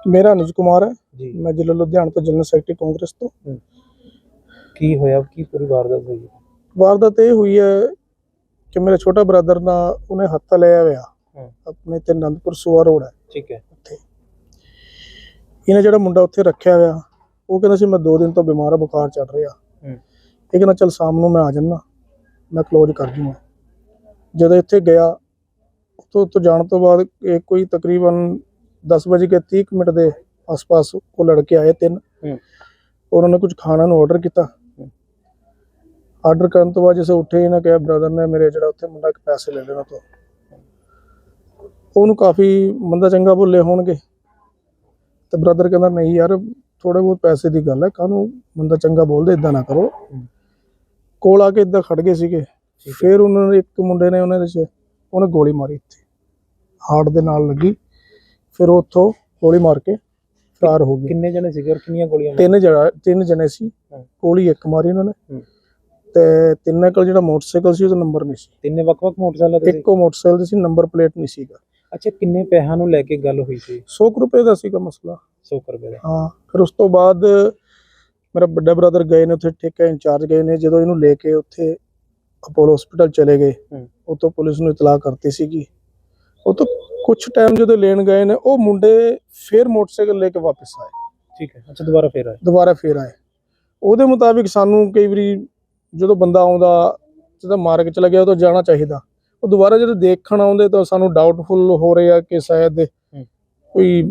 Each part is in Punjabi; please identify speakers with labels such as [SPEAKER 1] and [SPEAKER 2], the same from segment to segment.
[SPEAKER 1] ਮੇਰਾ ਅਨੁਜ ਕੁਮਾਰ ਹੈ
[SPEAKER 2] ਜੀ।
[SPEAKER 1] ਮੈਂ ਜ਼ਿਲ੍ਹਾ ਲੁਧਿਆਣਾ ਤੋਂ ਜਨਰਲ ਸੈਕਟਰੀ ਕਾਂਗਰਸ ਤੋਂ।
[SPEAKER 2] ਕੀ ਹੋਇਆ, ਕੀ ਪੂਰੀ ਵਾਰਦਾਤ ਹੋਈ?
[SPEAKER 1] ਵਾਰਦਾਤ ਇਹ ਹੋਈ ਹੈ ਕਿ ਮੇਰਾ ਛੋਟਾ ਬ੍ਰਦਰ ਨਾ ਉਹਨੇ ਹੱਥ ਲਿਆ ਹੋਇਆ ਆਪਣੇ ਤੇ ਅਨੰਦਪੁਰ ਸੂਆ ਰੋਡ ਹੈ।
[SPEAKER 2] ਠੀਕ ਹੈ।
[SPEAKER 1] ਉੱਥੇ ਇਹਨੇ ਜਿਹੜਾ ਮੁੰਡਾ ਉੱਥੇ ਰੱਖਿਆ ਹੋਇਆ ਉਹ ਕਹਿੰਦਾ ਸੀ ਮੈਂ 2 ਦਿਨ ਤੋਂ ਬਿਮਾਰ ਆ, ਬੁਖਾਰ ਚੜ ਰਿਹਾ। ਇਹ ਕਹਿੰਦਾ ਚੱਲ ਸ਼ਾਮ ਨੂੰ ਮੈਂ ਆ ਜਾਣਾ, ਮੈਂ ਕਲੋਜ਼ ਕਰ ਜੂੰਗਾ। ਜਦੋਂ ਇੱਥੇ ਗਿਆ ਉੱਥੋਂ ਜਾਣ ਤੋਂ ਬਾਅਦ ਇਹ ਕੋਈ ਤਕਰੀਬਨ 10:30 ਦੇ ਆਸ-ਪਾਸ ਉਹ ਲੜਕੇ ਆਏ 3। ਉਹਨਾਂ ਨੇ ਕੁਝ ਖਾਣਾ ਨੂੰ ਆਰਡਰ ਕੀਤਾ। ਆਰਡਰ ਕਰਨ ਤੋਂ ਬਾਅਦ ਜਿਵੇਂ ਉੱਠੇ ਇਹਨਾਂ ਕਿਹਾ ਬ੍ਰਦਰ ਨੇ ਮੇਰੇ ਜਿਹੜਾ ਉੱਥੇ ਮੁੰਡਾ ਪੈਸੇ ਲੈ ਲੈਣਾ ਤੋਂ ਉਹਨੂੰ ਕਾਫੀ ਮੰਦਾ ਚੰਗਾ ਬੋਲੇ ਹੋਣਗੇ ਤੇ ਬ੍ਰਦਰ ਕਹਿੰਦਾ ਨਹੀਂ ਯਾਰ ਥੋੜੇ ਬਹੁਤ ਪੈਸੇ ਦੀ ਗੱਲ ਹੈ, ਕਾਹਨੂੰ ਮੰਦਾ ਚੰਗਾ ਬੋਲਦੇ, ਇਦਾਂ ਨਾ ਕਰੋ। ਕੋਲ ਆ ਕੇ ਇਦਾਂ ਖੜ ਗਏ ਸੀਗੇ। ਫਿਰ ਉਹਨਾਂ ਨੇ ਇੱਕ ਮੁੰਡੇ ਨੇ ਉਹਨੇ ਗੋਲੀ ਮਾਰੀ, ਇੱਥੇ ਹਾਰਟ ਦੇ ਨਾਲ ਲੱਗੀ। ਫਿਰ ਉੱਥੋਂ ਗੋਲੀ ਮਾਰ ਕੇ ਫਰਾਰ ਹੋ ਗਏ।
[SPEAKER 2] ਕਿੰਨੇ ਜਣੇ ਸੀਗੇ ਔਰ ਕਿੰਨੀਆਂ ਗੋਲੀਆਂ?
[SPEAKER 1] 3 ਜਣੇ ਸੀ। ਗੋਲੀ ਇੱਕ ਮਾਰੀ ਉਹਨਾਂ ਨੇ ਤੇ ਤਿੰਨਾਂ ਕੋਲ ਜਿਹੜਾ ਮੋਟਰਸਾਈਕਲ ਸੀ ਉਹਦਾ ਨੰਬਰ ਨਹੀਂ ਸੀ।
[SPEAKER 2] ਤਿੰਨੇ ਵੱਖ-ਵੱਖ ਮੋਟਰਸਾਈਕਲ ਤੇ?
[SPEAKER 1] ਇੱਕੋ ਮੋਟਰਸਾਈਕਲ ਸੀ, ਨੰਬਰ ਪਲੇਟ ਨਹੀਂ ਸੀਗਾ।
[SPEAKER 2] ਅੱਛਾ, ਕਿੰਨੇ ਪੈਸਿਆਂ ਨੂੰ ਲੈ ਕੇ ਗੱਲ ਹੋਈ ਸੀ?
[SPEAKER 1] 100 ਰੁਪਏ ਦਾ ਸੀਗਾ ਮਸਲਾ।
[SPEAKER 2] 100 ਰੁਪਏ ਦਾ?
[SPEAKER 1] ਹਾਂ। ਫਿਰ ਉਸ ਤੋਂ ਬਾਅਦ ਮੇਰਾ ਵੱਡਾ ਬ੍ਰਦਰ ਗਏ ਨੇ ਉੱਥੇ, ਠੇਕਾ ਇੰਚਾਰਜ ਗਏ ਨੇ। ਜਦੋਂ ਇਹਨੂੰ ਲੈ ਕੇ ਉੱਥੇ ਅਪੋਲੋ ਹਸਪੀਟਲ ਚਲੇ ਗਏ, ਉੱਥੋਂ ਪੁਲਿਸ ਨੂੰ ਇਤਲਾਹ ਕਰਤੀ ਸੀਗੀ। ਉਹ ਤੋਂ ਕੁਛ ਟਾਈਮ ਜਦੋਂ ਲੈਣ ਗਏ ਨੇ ਉਹ ਮੁੰਡੇ ਫਿਰ ਮੋਟਰਸਾਈਕਲ ਲੈ ਕੇ ਵਾਪਸ ਆਏ।
[SPEAKER 2] ਠੀਕ ਹੈ। ਅੱਛਾ, ਦੁਬਾਰਾ ਫੇਰ ਆਏ। ਉਹਦੇ ਮੁਤਾਬਿਕ ਸਾਨੂੰ ਕਈ ਵਾਰੀ ਜਦੋਂ ਬੰਦਾ ਆਉਂਦਾ ਜਦੋਂ ਮਾਰ ਕੇ ਚਲਾ ਗਿਆ ਉਹ ਤਾਂ ਜਾਣਾ ਚਾਹੀਦਾ। ਉਹ ਦੁਬਾਰਾ ਜਦੋਂ ਦੇਖਣ ਆਉਂਦੇ ਤਾਂ ਸਾਨੂੰ ਡਾਊਟਫੁਲ ਹੋ ਰਿਹਾ ਕਿ ਸ਼ਾਇਦ ਕੋਈ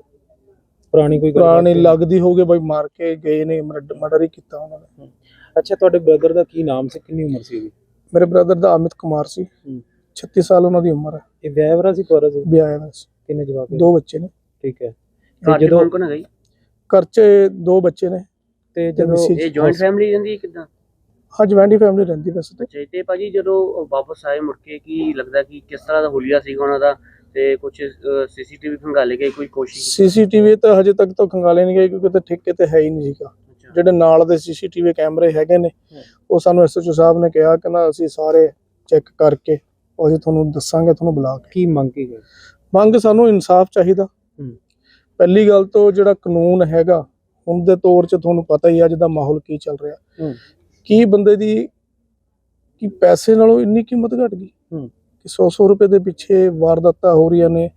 [SPEAKER 2] ਪੁਰਾਣੀ ਲੱਗਦੀ ਹੋਊਗੀ, ਬਈ ਮਾਰ ਕੇ ਗਏ ਨੇ, ਮਰਡਰ ਹੀ ਕੀਤਾ ਉਹਨਾਂ ਨੇ। ਅੱਛਾ, ਤੁਹਾਡੇ ਬ੍ਰਦਰ ਦਾ ਕੀ ਨਾਮ ਸੀ, ਕਿੰਨੀ ਉਮਰ ਸੀ ਉਹਦੀ?
[SPEAKER 1] ਮੇਰੇ ਬ੍ਰਦਰ ਦਾ ਅਮਿਤ ਕੁਮਾਰ ਸੀ। 36 ਸਾਲ ਉਹਨਾਂ ਦੀ ਉਮਰ ਹੈ।
[SPEAKER 2] ਇਹ ਵਿਆਹਿਆ ਸੀ, ਕੁਆਰਾ ਸੀ?
[SPEAKER 1] ਵਿਆਹਿਆ ਸੀ।
[SPEAKER 2] ਕਿੰਨੇ ਜਵਾਕ?
[SPEAKER 1] 2 ਬੱਚੇ ਨੇ।
[SPEAKER 2] ਠੀਕ ਹੈ।
[SPEAKER 3] ਜਦੋਂ ਕੌਣ ਹੈ?
[SPEAKER 1] ਘਰ 'ਚ 2 ਬੱਚੇ ਨੇ।
[SPEAKER 2] ਤੇ ਜਦੋਂ
[SPEAKER 3] ਇਹ ਜੁਆਇੰਟ ਫੈਮਿਲੀ ਰਹਿੰਦੀ ਹੈ ਕਿਦਾਂ?
[SPEAKER 1] ਹਾਂ, ਜੁਆਇੰਟ ਫੈਮਿਲੀ ਰਹਿੰਦੀ ਵੈਸੇ ਤੇ।
[SPEAKER 3] ਅੱਛਾ, ਤੇ ਭਾਜੀ ਜਦੋਂ ਵਾਪਸ ਆਏ ਮੁੜ ਕੇ ਕੀ ਲੱਗਦਾ ਕਿ ਕਿਸ ਤਰ੍ਹਾਂ ਦਾ ਹੁਲੀਆ ਸੀਗਾ ਉਹਨਾਂ ਦਾ, ਤੇ ਕੁਝ ਸੀਸੀਟੀਵੀ ਖੰਗਾਲੇ ਗਏ, ਕੋਈ ਕੋਸ਼ਿਸ਼?
[SPEAKER 1] ਸੀਸੀਟੀਵੀ ਤਾਂ ਹਜੇ ਤੱਕ ਤਾਂ ਖੰਗਾਲੇ ਨਹੀਂ ਗਏ ਕਿਉਂਕਿ ਤੇ ਠੇਕੇ ਤੇ ਹੈ ਹੀ ਨਹੀਂ ਸੀਗਾ। ਜਿਹੜੇ ਨਾਲ ਦੇ ਸੀਸੀਟੀਵੀ ਕੈਮਰੇ ਹੈਗੇ ਨੇ ਉਹ ਸਾਨੂੰ ਐਸਐਚਓ ਸਾਹਿਬ ਨੇ ਕਿਹਾ ਕਿ ਨਾ ਅਸੀਂ ਸਾਰੇ ਚੈੱਕ ਕਰਕੇ ਅਸੀਂ ਤੁਹਾਨੂੰ ਦੱਸਾਂਗੇ, ਤੁਹਾਨੂੰ ਬੁਲਾ ਕੇ।
[SPEAKER 2] ਕੀ ਮੰਗ ਕੀ ਹੈ?
[SPEAKER 1] ਮੰਗ ਸਾਨੂੰ ਇਨਸਾਫ ਚਾਹੀਦਾ। ਪਹਿਲੀ ਗੱਲ ਤੋਂ ਜਿਹੜਾ ਕਾਨੂੰਨ ਹੈਗਾ ਹੁਣ ਦੇ ਤੌਰ 'ਚ ਤੁਹਾਨੂੰ ਪਤਾ ਹੀ ਅੱਜ ਦਾ ਮਾਹੌਲ ਕੀ ਚੱਲ ਰਿਹਾ। ਕੀ ਬੰਦੇ ਦੀ ਕੀ ਪੈਸੇ ਨਾਲੋਂ ਇੰਨੀ ਕੀਮਤ ਘਟ ਗਈ ਕਿ 100 ਰੁਪਏ ਦੇ ਪਿੱਛੇ ਵਾਰਦਾਤਾਂ ਹੋ ਰਹੀਆਂ ਨੇ।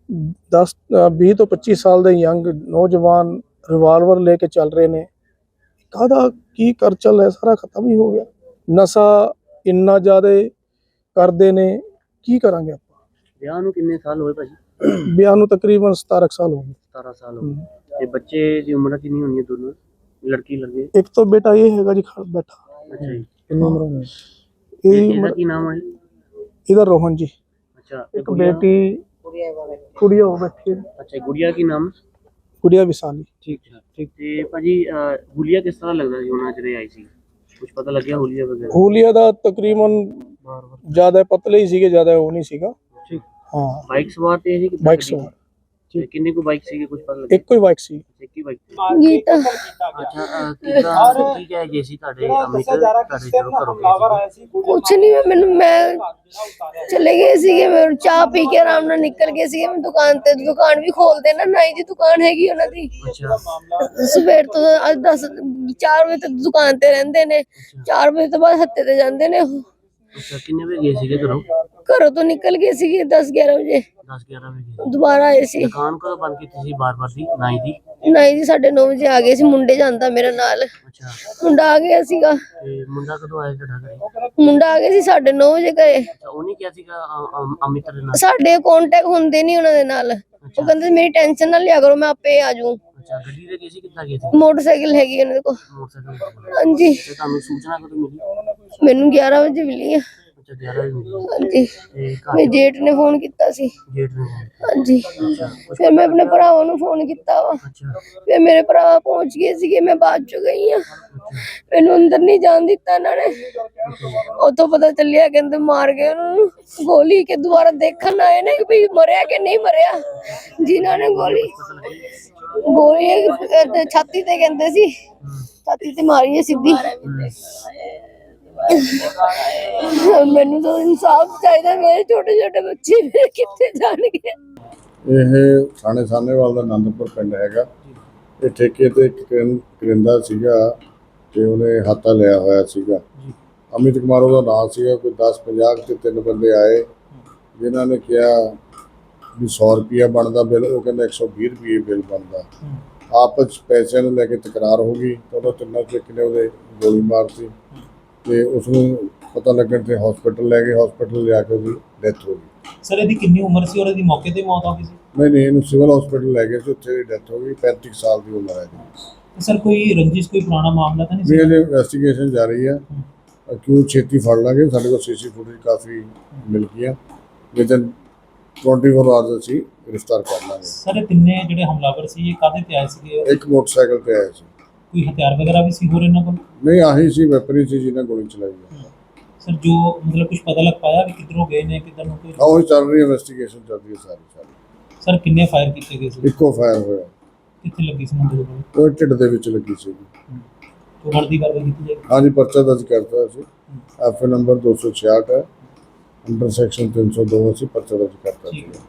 [SPEAKER 1] 20 ਤੋਂ 25 ਸਾਲ ਦੇ ਯੰਗ ਨੌਜਵਾਨ ਰਿਵਾਲਵਰ ਲੈ ਕੇ ਚੱਲ ਰਹੇ ਨੇ। ਕਾਹਦਾ ਕੀ ਕਰ ਚੱਲ ਰਿਹਾ, ਸਾਰਾ ਖਤਮ ਹੀ ਹੋ ਗਿਆ। ਨਸ਼ਾ ਇੰਨਾ ਜ਼ਿਆਦਾ ਕਰਦੇ ਨੇ, ਕੀ ਕਰਾਂਗੇ ਆਪਾਂ।
[SPEAKER 3] ਵਿਆਹ ਨੂੰ ਕਿੰਨੇ ਸਾਲ ਹੋਏ ਭਾਜੀ?
[SPEAKER 1] ਵਿਆਹ ਨੂੰ ਤਕਰੀਬਨ 17 ਸਾਲ ਹੋ ਗਏ।
[SPEAKER 3] 17 ਸਾਲ ਹੋ ਗਏ। ਤੇ ਬੱਚੇ ਦੀ ਉਮਰ ਕਿੰਨੀ ਹੋਣੀ ਹੈ ਦੋਨੋਂ, ਲੜਕੀ ਲੜਕੇ?
[SPEAKER 1] ਇੱਕ ਤਾਂ ਬੇਟਾ ਇਹ ਹੈਗਾ ਜੀ ਬੈਠਾ।
[SPEAKER 3] ਅੱਛਾ ਜੀ।
[SPEAKER 1] ਕਿੰਨੀ ਉਮਰ ਹੋਣੀ?
[SPEAKER 3] ਇਹਦਾ ਕੀ ਨਾਮ ਹੈ?
[SPEAKER 1] ਇਹਦਾ ਰੋਹਨ ਜੀ।
[SPEAKER 3] ਅੱਛਾ।
[SPEAKER 1] ਇੱਕ ਬੇਟੀ ਗੁੜੀਆ ਹੋ ਬੈਠੀ।
[SPEAKER 3] ਅੱਛਾ, ਗੁੜੀਆ ਕੀ ਨਾਮ?
[SPEAKER 1] ਗੁੜੀਆ ਵਿਸਾਲੀ।
[SPEAKER 3] ਠੀਕ ਹੈ। ਠੀਕ। ਤੇ ਭਾਜੀ ਹੁਲੀਆ ਕਿਸ ਤਰ੍ਹਾਂ ਲੱਗਦਾ ਸੀ ਉਹਨਾਂ ਜਿਹੜੇ ਆਏ ਸੀ, ਕੁਝ ਪਤਾ ਲੱਗਿਆ ਹੁਲੀਆ ਵਗੈਰਾ?
[SPEAKER 1] ਹੁਲੀਆ ਦਾ ਤਕਰੀਬਨ ਜ਼ਿਆਦਾ ਪਤਲੇ ਹੀ ਸੀਗੇ, ਜ਼ਿਆਦਾ ਉਹ ਨਹੀਂ ਸੀਗਾ।
[SPEAKER 3] ਠੀਕ।
[SPEAKER 1] ਹਾਂ।
[SPEAKER 3] ਬਾਈਕ ਸਵਾਰ ਤੇ ਸੀ?
[SPEAKER 1] ਬਾਈਕ ਸਵਾਰ।
[SPEAKER 3] ਕਿੰਨੇ ਕੋ ਬਾਈਕ ਸੀਗੇ, ਕੁਝ ਪਤਾ ਲੱਗਿਆ?
[SPEAKER 1] ਇੱਕੋ ਹੀ ਬਾਈਕ ਸੀ।
[SPEAKER 3] ਇੱਕ ਹੀ ਬਾਈਕ?
[SPEAKER 4] ਗੀਤਾ।
[SPEAKER 3] ਅੱਛਾ, ਕਿਦਾਂ ਕੀ ਕਹਿ ਗਏ ਸੀ ਤੁਹਾਡੇ ਅਮਿਤ ਤੁਹਾਡੇ ਜਦੋਂ ਘਰੋਂ ਗਏ ਸੀ?
[SPEAKER 4] ਕੁਛ ਨਹੀਂ, ਮੈਂ ਚਲੇ ਗਏ ਸੀਗੇ, ਮੈਂ ਚਾਹ ਪੀ ਕੇ ਆਰਾਮ ਨਾਲ ਨਿਕਲ ਗਏ ਸੀਗੇ। ਮੈਂ ਦੁਕਾਨ ਵੀ ਖੋਲਦੇ ਨਾ, ਨਾਈ ਦੀ ਦੁਕਾਨ ਹੈਗੀ ਉਹਨਾਂ ਦੀ।
[SPEAKER 3] ਅੱਛਾ।
[SPEAKER 4] ਸਵੇਰ ਤੋਂ 4 ਵਜੇ ਤੱਕ ਦੁਕਾਨ ਤੇ ਰਹਿੰਦੇ ਨੇ। 4 ਵਜੇ ਤੋਂ ਬਾਅਦ ਹੱਤੇ ਤੇ ਜਾਂਦੇ ਨੇ ਉਹ।
[SPEAKER 3] ਅੱਛਾ, ਕਿੰਨੇ ਵਜੇ ਗਏ ਸੀਗੇ ਘਰੋਂ?
[SPEAKER 4] ਘਰੋਂ ਤੋਂ ਨਿਕਲ ਗਏ ਸੀਗੇ 10-11 ਵਜੇ।
[SPEAKER 3] 10-11 ਵਜੇ
[SPEAKER 4] ਦੁਬਾਰਾ ਆਏ ਸੀ।
[SPEAKER 3] ਦੁਕਾਨ ਕਦੋਂ ਬੰਦ ਕੀਤੀ ਸੀ ਬਾਰ-ਬਾਰ ਦੀ? ਨਾਈ ਦੀ?
[SPEAKER 4] ਨਾਈ ਜੀ 9:30 ਵਜੇ ਆ ਗਏ ਸੀ। ਮੁੰਡੇ ਜਾਂਦਾ ਮੇਰੇ ਨਾਲ।
[SPEAKER 3] ਅੱਛਾ।
[SPEAKER 4] ਮੁੰਡਾ ਆ ਗਿਆ ਸੀਗਾ।
[SPEAKER 3] ਤੇ ਮੁੰਡਾ ਕਦੋਂ ਆਇਆ ਤੁਹਾਡਾ ਘਰੇ?
[SPEAKER 4] ਮੁੰਡਾ ਆ ਗਿਆ ਸੀ 9:30 ਵਜੇ ਘਰੇ।
[SPEAKER 3] ਅੱਛਾ, ਉਹਨੇ ਕਿਹਾ ਸੀਗਾ ਅਮਿਤ ਦੇ ਨਾਲ?
[SPEAKER 4] ਸਾਡੇ ਕਾਂਟੈਕਟ ਹੁੰਦੇ ਨਹੀਂ ਉਹਨਾਂ ਦੇ ਨਾਲ। ਉਹ ਕਹਿੰਦੇ ਮੇਰੀ ਟੈਨਸ਼ਨ ਨਾ ਲਿਆ ਕਰੋ, ਮੈਂ ਆਪੇ ਆ ਜਾਊਂ।
[SPEAKER 3] ਅੱਛਾ, ਗੱਡੀ ਤੇ ਗਏ ਸੀ, ਕਿੱਦਾਂ ਗਏ ਸੀ?
[SPEAKER 4] ਮੋਟਰਸਾਈਕਲ ਹੈਗੀ ਉਹਨਾਂ ਕੋਲ।
[SPEAKER 3] ਮੋਟਰਸਾਈਕਲ?
[SPEAKER 4] ਹਾਂਜੀ।
[SPEAKER 3] ਤੇ ਤੁਹਾਨੂੰ ਸੂਚਨਾ ਕਦੋਂ ਮਿਲੀ?
[SPEAKER 4] ਮੈਨੂੰ 11 ਵਜੇ ਮਿਲੀ ਆ।
[SPEAKER 3] ਅੱਛਾ, 11 ਵਜੇ ਮਿਲੀ।
[SPEAKER 4] ਹਾਂਜੀ।
[SPEAKER 3] ਤੇ
[SPEAKER 4] ਮੇਰੇ ਜੇਠ ਨੇ ਫੋਨ ਕੀਤਾ ਸੀ।
[SPEAKER 3] ਜੇਠ ਨੇ?
[SPEAKER 4] ਹਾਂਜੀ। ਫਿਰ ਮੈਂ ਆਪਣੇ ਭਰਾਵਾਂ ਨੂੰ ਫੋਨ ਕੀਤਾ ਵਾ।
[SPEAKER 3] ਅੱਛਾ।
[SPEAKER 4] ਫਿਰ ਮੇਰੇ ਭਰਾ ਪਹੁੰਚ ਗਏ ਸੀਗੇ, ਮੈਂ ਬਾਅਦ ਚ ਗਈ ਆ। ਮੈਨੂੰ ਅੰਦਰ ਨਹੀਂ ਜਾਣ ਦਿੱਤਾ ਇਹਨਾਂ ਨੇ। ਉੱਥੋਂ ਪਤਾ ਚੱਲਿਆ ਕਹਿੰਦੇ ਮਾਰ ਗਏ ਉਹਨੂੰ ਗੋਲੀ, ਕੇ ਦੁਬਾਰਾ ਦੇਖਣ ਆਏ ਨੇ ਕਿ ਵੀ ਮਰਿਆ ਕਿ ਨਹੀਂ ਮਰਿਆ। ਜਿਨ੍ਹਾਂ ਨੇ ਗੋਲੀ ਛਾਤੀ ਤੇ ਕਹਿੰਦੇ ਸੀ, ਛਾਤੀ ਤੇ ਮਾਰੀ ਹੈ ਸਿੱਧੀ। ਮੈਨੂੰ ਤਾਂ ਇਨਸਾਫ ਚਾਹੀਦਾ। ਮੇਰੇ ਛੋਟੇ ਛੋਟੇ ਬੱਚੇ ਮੇਰੇ ਕਿੱਥੇ ਜਾਣਗੇ।
[SPEAKER 5] ਇਹ ਥਾਣੇ ਸਾਹਨੇਵਾਲ ਦਾ ਆਨੰਦਪੁਰ ਪਿੰਡ ਹੈਗਾ। ਇਹ ਠੇਕੇ ਤੇ ਇੱਕ ਕਰਿੰਦਾ ਸੀਗਾ ਤੇ ਉਹਨੇ ਹਾਤਾ ਲਿਆ ਹੋਇਆ ਸੀਗਾ। ਅਮਿਤ ਕੁਮਾਰ ਉਹਦਾ ਨਾਮ ਸੀਗਾ। ਕੋਈ 10-50 ਤੇ 3 ਬੰਦੇ ਆਏ ਜਿਨ੍ਹਾਂ ਨੇ ਕਿਹਾ ਵੀ 100 ਰੁਪਇਆ ਬਣਦਾ ਬਿੱਲ, ਉਹ ਕਹਿੰਦਾ 120 ਰੁਪਏ ਬਿੱਲ ਬਣਦਾ। ਆਪਸ 'ਚ ਪੈਸਿਆਂ ਨੂੰ ਲੈ ਕੇ ਤਕਰਾਰ ਹੋ ਗਈ ਤਾਂ ਉਹਨਾਂ ਤਿੰਨਾਂ 'ਚੋਂ ਇੱਕ ਨੇ ਉਹਦੇ ਗੋਲੀ ਮਾਰਤੀ ਤੇ ਉਸ ਨੂੰ ਪਤਾ ਲੱਗਣ ਤੇ ਹਸਪੀਟਲ ਲੈ ਗਏ। ਹਸਪੀਟਲ ਲਿਆ ਕੇ ਉਹਦੀ ਡੈਥ ਹੋ ਗਈ।
[SPEAKER 6] ਸਰ ਇਹਦੀ ਕਿੰਨੀ ਉਮਰ ਸੀ ਔਰ ਇਹਦੀ ਮੌਕੇ ਤੇ ਮੌਤ ਹੋ ਗਈ ਸੀ?
[SPEAKER 5] ਨਹੀਂ, ਇਹਨੂੰ ਸਿਵਲ ਹਸਪੀਟਲ ਲੈ ਗਏ ਸੀ, ਉੱਥੇ ਦੀ ਡੈਥ ਹੋ ਗਈ। 35 ਸਾਲ ਦੀ ਉਮਰ ਹੈ ਜੀ।
[SPEAKER 6] ਸਰ ਕੋਈ ਰੰਜਿਸ਼, ਕੋਈ ਪੁਰਾਣਾ ਮਾਮਲਾ ਤਾਂ ਨਹੀਂ
[SPEAKER 5] ਵੀ
[SPEAKER 6] ਸੀ?
[SPEAKER 5] ਅਜੇ ਇਨਵੈਸਟੀਗੇਸ਼ਨ ਜਾਰੀ ਹੈ। ਕਿਉਂ ਛੇਤੀ ਫੜ ਲਾਂਗੇ। ਸਾਡੇ ਕੋਲ ਸੀਸੀ ਫੁਟੇਜ ਕਾਫੀ ਮਿਲ ਗਈਆਂ। ਵਿਦਨ 24 ਆਵਰਸ ਅਸੀਂ ਗ੍ਰਿਫਤਾਰ ਕਰ ਲਾਂਗੇ।
[SPEAKER 6] ਸਰ ਇਹ ਤਿੰਨੇ ਜਿਹੜੇ ਹਮਲਾਵਰ ਸੀ ਇਹ ਕਾਹਦੇ ਤੇ ਆਏ ਸੀਗੇ?
[SPEAKER 5] ਇੱਕ ਮੋਟਰਸਾਈਕਲ ਤੇ ਆਇਆ ਸੀ।
[SPEAKER 6] ਕੋਈ ਹਥਿਆਰ ਵਗੈਰਾ ਵੀ ਸੀ ਹੋਰ ਇਹਨਾਂ ਕੋਲ?
[SPEAKER 5] ਨਹੀਂ, ਆਹੀ ਸੀ ਵੈਪਨ ਸੀ ਜਿਹਨਾਂ ਗੋਲੀ ਚਲਾਈ ਹੈ।
[SPEAKER 6] ਸਰ ਜੋ ਮਤਲਬ ਕੁਝ ਪਤਾ ਲੱਗ ਪਾਇਆ ਵੀ ਕਿੱਧਰੋਂ ਗਏ ਨੇ, ਕਿੱਧਰ ਨੂੰ ਕੋਈ?
[SPEAKER 5] ਉਹ ਚੱਲ ਰਹੀ ਇਨਵੈਸਟੀਗੇਸ਼ਨ ਚੱਲ ਰਹੀ ਹੈ ਸਾਰੀ।
[SPEAKER 6] ਸਰ ਕਿੰਨੇ ਫਾਇਰ ਕੀਤੇ ਗਏ ਸੀ?
[SPEAKER 5] ਇੱਕੋ ਫਾਇਰ ਹੋਇਆ।
[SPEAKER 6] ਕਿੱਥੇ ਲੱਗੀ ਸੀ ਮੁੰਡੇ ਦੇ ਕੋਲ?
[SPEAKER 5] ਉਹ ਢਿੱਡ ਦੇ ਵਿੱਚ ਲੱਗੀ ਸੀ।
[SPEAKER 6] ਤੋਂ ਵਰਦੀ ਕਾਰਵਾਈ ਕੀਤੀ ਜਾਏਗੀ?
[SPEAKER 5] ਹਾਂਜੀ, ਪਰਚਾ ਦਰਜ ਕਰਤਾ ਸੀ। ਐਫਏ ਨੰਬਰ 266 ਹੈ, ਅੰਡਰ ਸੈਕਸ਼ਨ 302 ਅਸੀਂ ਪਰਚਾ ਦਰਜ ਕਰਤਾ ਸੀ।